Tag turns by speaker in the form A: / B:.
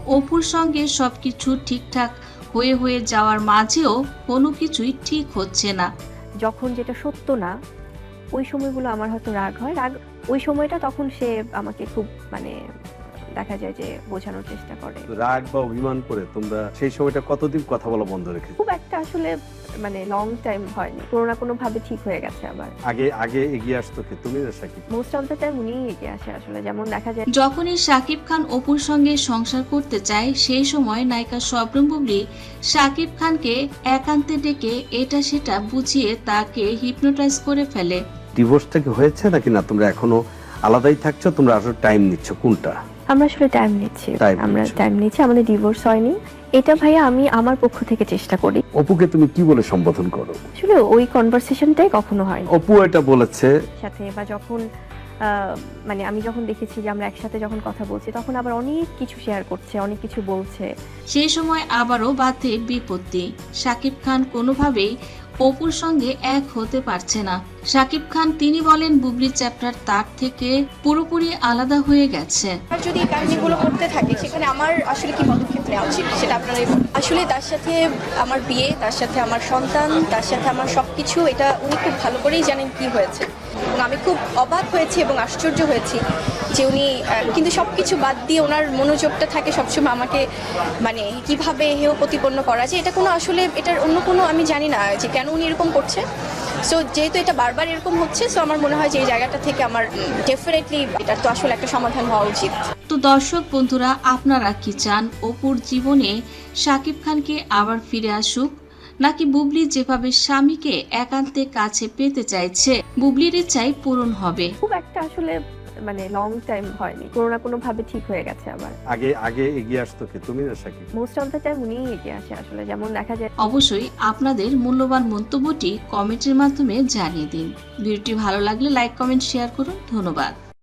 A: অপুর সঙ্গে সবকিছু ঠিকঠাক হয়ে যাওয়ার মাঝেও কোনো কিছুই ঠিক হচ্ছে না।
B: যখন যেটা সত্য না ওই সময়গুলো আমার হয়তো রাগ হয়, রাগ ওই সময়টা তখন সে আমাকে খুব দেখা যায় যে বোঝানোর চেষ্টা করে।
C: রাগ বা অভিমান করে তোমরা সেই সময়টা কতদিন কথা বলা বন্ধ রেখেছো?
B: খুব একটা আসলে লং টাইম হয়নি, কোনো না কোনো ভাবে ঠিক হয়ে গেছে। আবার
C: আগে এগিয়ে আসতো কি তুমি না Sakib?
B: Most of the time উনিই এগিয়ে আসে আসলে। যেমন দেখা যায়
A: যখনই শাকিব খান অপুর সঙ্গে সংসার করতে চায় সেই সময় নায়িকা শবনম বুবলি শাকিব খানকে একান্তে ডেকে এটা সেটা বুঝিয়ে তাকে হিপনোটাইজ করে ফেলে।
C: ডিভোর্সটা কি হয়েছে নাকি না তোমরা এখনো আলাদাই থাকছো? তোমরা আসলে টাইম নিচ্ছ কোনটা?
B: আমরা আসলে টাইম নিচ্ছি, আমরা
C: নিচ্ছ।
B: টাইম নিচ্ছি, আমাদের ডিভোর্স হয়নি। এটা ভাইয়া আমি আমার পক্ষ থেকে চেষ্টা করি।
C: অপুকে তুমি কি বলে সম্বোধন করো?
B: আসলে ওই কনভারসেশনটাই কখনো হয়নি
C: অপু এটা বলেছে
B: সাথে, বা যখন আমি যখন দেখেছি যে আমরা একসাথে যখন কথা বলছি তখন আবার অনেক কিছু শেয়ার করছে, অনেক কিছু বলছে।
A: সেই সময় আবারও বাধে বিপত্তি। শাকিব খান কোনোভাবেই অপুর সঙ্গে এক হতে পারছে না। শাকিব খান তিনি বলেন বুবলির চ্যাপ্টার তার থেকে পুরোপুরি আলাদা হয়ে গেছে।
D: আর যদি এই কাহিনীগুলো করতে থাকে সেখানে আমার আসলে কি পদক্ষেপ নেওয়া উচিত সেটা আপনারাই বলুন। আসলে তার সাথে আমার বিয়ে, তার সাথে আমার সন্তান, তার সাথে আমার সবকিছু, এটা উনি খুব ভালো করেই জানেন কি হয়েছে। এবং আমি খুব অবাক হয়েছি এবং আশ্চর্য হয়েছি যে উনি কিন্তু সবকিছু বাদ দিয়ে ওনার মনোযোগটা থাকে সবসময় আমাকে কিভাবে হেয় প্রতিপন্ন করা যায়। এটা কোনো আসলে এটার অন্য কোনো আমি জানি না যে কেন উনি এরকম করছে। সো যেহেতু এটা বারবার এরকম হচ্ছে, সো আমার মনে হয় যে এই জায়গাটা থেকে আমার ডেফিনেটলি এটার তো আসলে একটা সমাধান হওয়া উচিত।
A: তো দর্শক বন্ধুরা, আপনারা কি চান অপুর জীবনে শাকিব খানকে আবার ফিরে আসুক, নাকি বুবলি যেভাবে স্বামীকে একান্তে কাছে পেতে চাইছে বুবলির ইচ্ছাই পূরণ হবে?
B: খুব একটা আসলে লং টাইম হয়নি, কোনো না কোনো ভাবে ঠিক হয়ে গেছে। আবার
C: আগে এগিয়ে আসতো কি তুমি না Sakib?
B: Most of the time উনিই এগিয়ে আসে আসলে। যেমন দেখা যায়
A: অবশ্যই আপনাদের মূল্যবান মন্তব্যটি কমেন্টের মাধ্যমে জানিয়ে দিন। ভিডিওটি ভালো লাগলে লাইক, কমেন্ট, শেয়ার করুন। ধন্যবাদ।